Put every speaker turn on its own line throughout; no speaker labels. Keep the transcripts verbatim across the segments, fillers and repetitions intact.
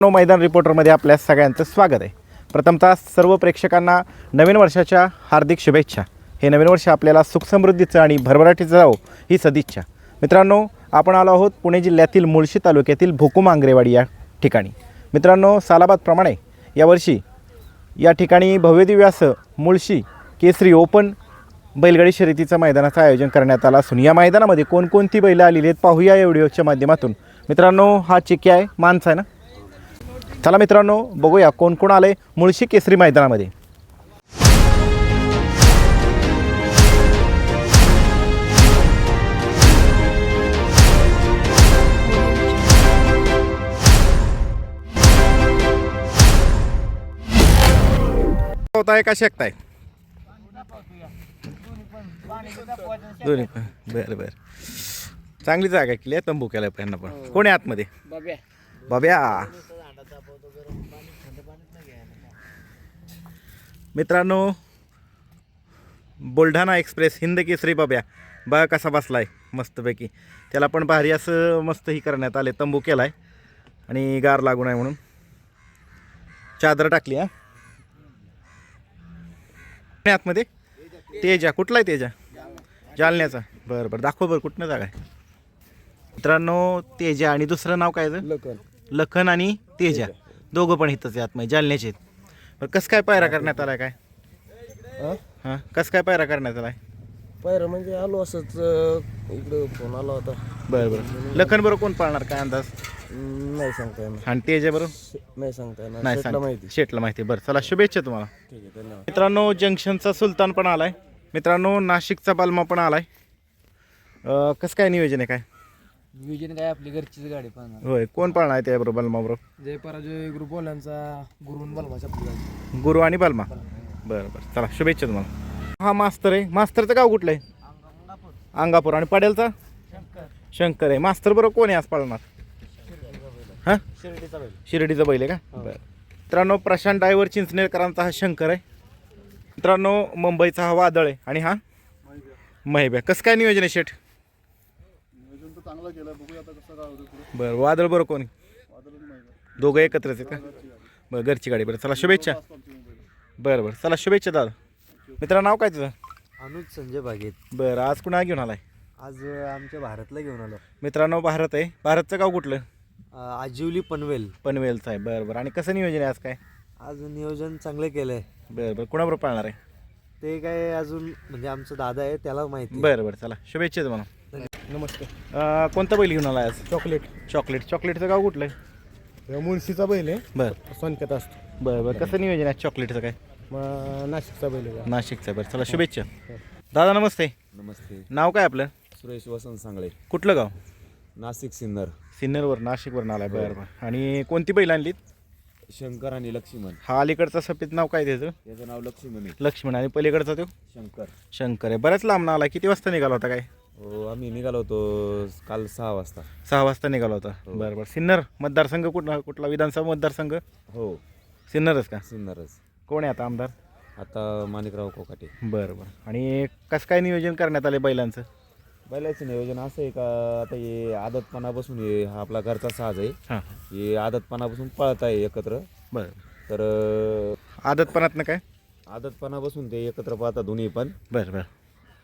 No मैदान रिपोर्टरमध्ये आपल्या सगळ्यांचं स्वागत आहे। प्रथमतः सर्व प्रेक्षकांना नवीन वर्षाच्या हार्दिक शुभेच्छा। हे नवीन वर्ष आपल्याला सुख समृद्धीचं आणि भरभराटीचं जावो ही सदिच्छा। मित्रांनो, आपण आलो आहोत पुणे जिल्ह्यातील मुळशी तालुक्यातील भोकुम आंग्रेवाडी या ठिकाणी। मित्रांनो, सालाबादप्रमाणे यावर्षी या ठिकाणी भव्यदिव्य असं मुळशी केसरी ओपन बैलगाडी शर्यतीचं मैदानाचं आयोजन करण्यात आलं असून या मैदानामध्ये कोणकोणती बैलं आलेली आहेत पाहूया या व्हिडिओच्या माध्यमातून। मित्रांनो, हा चिक्या आहे, माणसा आहे ना। चला मित्रांनो, बघूया कोण कोण आले मुळशी केसरी मैदानामध्ये। होताय का शेकताय दोन्ही पण? बरं बरं, चांगली जागा केली आहे, तंबू केलाय पण पण कोण आहे आतमध्ये? बाब्या बाब्या मित्रांनो, बुलढाणा एक्सप्रेस हिंद केसरी बाब्या बघा कसा बसलाय मस्तपैकी। त्याला पण भारी असं मस्त ही करण्यात आले, तंबू केलाय आणि गार लागू नये म्हणून चादर टाकली। हा आतमध्ये तेजा, कुठला आहे तेजा? जालन्याचा। बरं बरं, दाखव बरं कुठनं जागा आहे। मित्रांनो, तेजा आणि दुसरं नाव काय? लखन लखन आणि तेजा, दोघं पण इथंच आहे आतमध्ये, जालन्याचे आहेत। बरं, कसं काय पायरा करण्यात आलाय काय? हां, कसं काय पायरा करण्यात आलाय?
पायरा म्हणजे आलो असंच इकडं फोन आला होता।
बरं बरं, लखन बरोबर कोण पाळणार काय अंदाज?
नाही सांगता येणार।
आणि तेजा बरोबर
नाही सांगता येणार,
नाही
शेटला माहिती।
शेटला माहिती। बरं चला, शुभेच्छा तुम्हाला।
ठीक आहे, धन्यवाद।
मित्रांनो, जंक्शनचा सुलतान पण आलाय। मित्रांनो, नाशिकचा बालमा पण आलाय। कसं काय नियोजन आहे काय?
नियोजन काय, आपली घरचीच गाडी पाहणार।
होय, कोण पाळणार आहे त्याबरोबर बालमा बरोबर?
जय पराजय ग्रुपवाल्यांचा गुरुन बलमाच्या पुढे
गुरु आणि बालमा। बरं बरं, चला शुभेच्छा तुम्हाला। हा मास्तर आहे, मास्तरचं गाव कुठलं आहे? अंगापूर। आणि पडेलचा शंकर आहे। मास्तर बरोबर कोण आहे आज पाळणार? हां,
शिर्डीचा बैल।
शिर्डीचा बैल आहे का? बरं मित्रांनो, प्रशांत ड्रायव्हर चिंचनेरकरांचा हा शंकर आहे। मित्रांनो, मुंबईचा हा वादळ आहे आणि हा महिब्या। कसं काय नियोजन आहे शेठ?
नियोजन तर चांगलं केलं, बघूया आता कसं काय होतं।
बरं, वादळ बरं कोणी? दोघं एकत्रच आहेत का? बरं, घरची गाडी। बरं चला, शुभेच्छा। बरं बरं, चला शुभेच्छा दादा। मित्रा, नाव काय तुझं?
अनुज संजय बागेत।
बरं, आज कुणा घेऊन आलाय?
आज आमच्या भारतला घेऊन आलो।
मित्रांनो, भारत आहे। भारतचं गाव कुठलं?
आजिवली पनवेल।
पनवेलचं आहे। बरं बरं, आणि कसं नियोजन आहे आज काय?
आज नियोजन चांगलं केलंय।
बरं बरं, कुणाबरोबर पाळणार आहे?
ते काय अजून म्हणजे आमचा दादा आहे, त्याला माहिती।
बरं बरं, चला शुभेच्छा तुम्हाला।
नमस्कार।
कोणता बैल घेऊन आला आज?
चॉकलेट।
चॉकलेट। चॉकलेटचं गाव कुठलं आहे?
मुळशीचा बैल आहे,
बरं
सोनक्यात असतो।
बरं बरं, कसं नियोजन आहे चॉकलेटचं काय?
मग नाशिकचा बैल आहे।
नाशिकचं। बरं चला, शुभेच्छा दादा। नमस्ते।
नमस्ते।
नाव काय आपलं?
सुरेश वसंत सांगळे,
कुठलं गाव?
नाशिक सिन्नर।
सिन्नरवर, नाशिकवरून आलाय। बरं बरं, आणि कोणती बैल आणलीत?
शंकर आणि लक्ष्मण।
हा अलीकडचा सफेद नाव काय त्याचं?
याचं नाव लक्ष्मण आहे।
लक्ष्मण। आणि पलीकडचा तो
शंकर।
शंकर आहे। बऱ्याच लांब आला, किती वाजता निघाला होता काय?
हो, आम्ही निघालो होतो काल सहा वाजता।
सहा वाजता निघाला होता। बरं बरं, सिन्नर मतदारसंघ कुठला कुठला विधानसभा मतदारसंघ?
हो,
सिन्नरच का?
सिन्नरच।
कोण आहे आता आमदार?
आता माणिकराव कोकाटे।
बरं बरं, आणि कसं काय नियोजन करण्यात आले बैलांचं?
बैलाचं नियोजन असं आहे का, आता हे आदतपणापासून हे हा आपला घरचा साज आहे।
हां,
हे आदतपणापासून पळत आहे एकत्र।
बरं,
तर
आदतपणातनं काय?
आदतपणापासून ते एकत्र पाहतात दोन्ही पण।
बरं बरं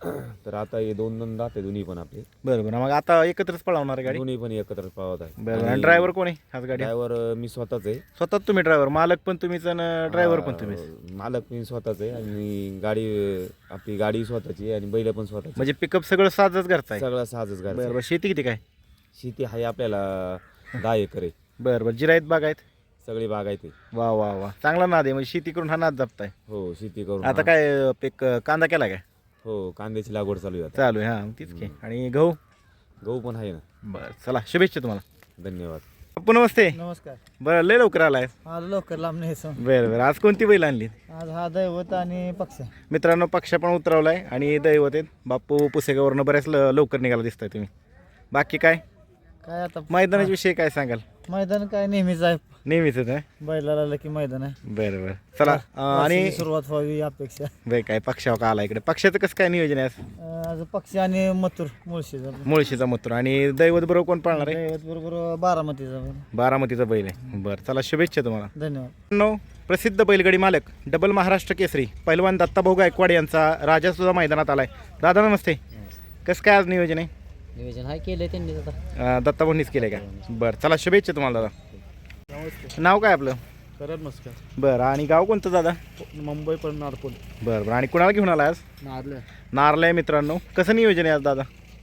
तर आता हे दोन दोन राहते दोन्ही पण आपले।
बरं बरं, मग आता एकत्रच पळवणार आहे गाडी?
दोन्ही पण एकत्र पाहत आहे।
बरं, आणि ड्रायव्हर कोण आहे आज गाडी?
ड्रायव्हर मी स्वतःच आहे।
स्वतःच तुम्ही ड्रायव्हर? मालक पण तुम्हीच आणि ड्रायव्हर पण तुम्हीच?
अं, मालक मी स्वतःच आहे आणि गाडी आपली गाडी स्वतःची आहे आणि बैल पण स्वतःची।
म्हणजे पिकअप सगळं साजच घरचं आहे?
सगळं साजच गाडी।
बरं बरं, शेती किती काय?
शेती आहे आपल्याला दहा एकर आहे।
बरं बरं, जिरायत बाग आहेत?
सगळी बाग आहे ते।
वा वा वा, चांगला नाद आहे, म्हणजे शेती करून हा नाद जपताय।
हो, शेती करून।
आता काय पीक कांदा केला काय?
हो, कांद्याची लागवड चालू आहे आता।
चालू आहे। हां, तीच की। आणि गहू?
गहू पण आहे ना।
बरं चला, शुभेच्छा तुम्हाला।
धन्यवाद।
पप्पू नमस्ते।
नमस्कार।
बरं, लय लवकर आलाय?
आज लवकर लांब नाही सो।
बरं बरं, आज कोणती बैल आणली?
आज हा दैवत आणि पक्ष।
मित्रांनो, पक्ष पण उतरवलाय आणि दैवत आहेत। बापू पुसेगावरनं बऱ्याच ल- लवकर निघाला दिसताय तुम्ही। बाकी काय
काय आता
मैदानाच्या विषयी काय सांगाल?
मैदान काय नेहमीच आहे,
नेहमीच आहे
बैलाला आलं की मैदान आहे
बरं बरं चला अं, आणि
वासराची सुरुवात व्हावी अपेक्षा
बरं काय पक्षावर का आला इकडे पक्षाचं कसं काय नियोजन आहे आज?
अं, आज पक्षी आणि मथुर मुळशीचा
मुळशीचा मूत्र आणि दैवत बरोबर कोण पाळणार आहे
दैवत बरोबर बारामतीचा बैल.
बारामतीचा बैल आहे बरं चला शुभेच्छा तुम्हाला
धन्यवाद.
नो प्रसिद्ध बैलगाडी मालक डबल महाराष्ट्र केसरी पैलवान दत्ताभाऊ गायकवाड यांचा राजा सुद्धा मैदानात आलाय. दादा नमस्ते. कसं काय आज नियोजन आहे?
नियोजन हाय केलंय त्यांनी आता.
अं, दत्ताभाऊंनीच केलंय का? बरं चला शुभेच्छा तुम्हाला दादा. नाव काय आपलं?
करत नमस्कार.
बरं आणि गाव कोणतं दादा?
मुंबई पण नारपूर
बरं बरं आणि कुणाला घेऊन आला आज?
नारल्या
नारला आहे मित्रांनो. कसं नियोजन आहे आज दादा?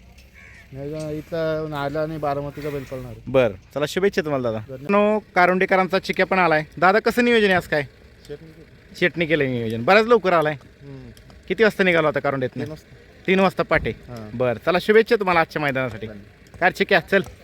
इथं नारला आणि बारामतीचा बैल पळणार.
बरं चला शुभेच्छा तुम्हाला दादा. नो कारुंडेकरांचा चिक्या पण आलाय. दादा कसं नियोजन आहे आज काय? शेटणी केलं नियोजन. बऱ्याच लवकर आलाय. किती वाजता निघाला होता कारुंडेतनं? तीन वाजता पाटे. बरं चला शुभेच्छा तुम्हाला आजच्या मैदानासाठी. काय चिक्या चल.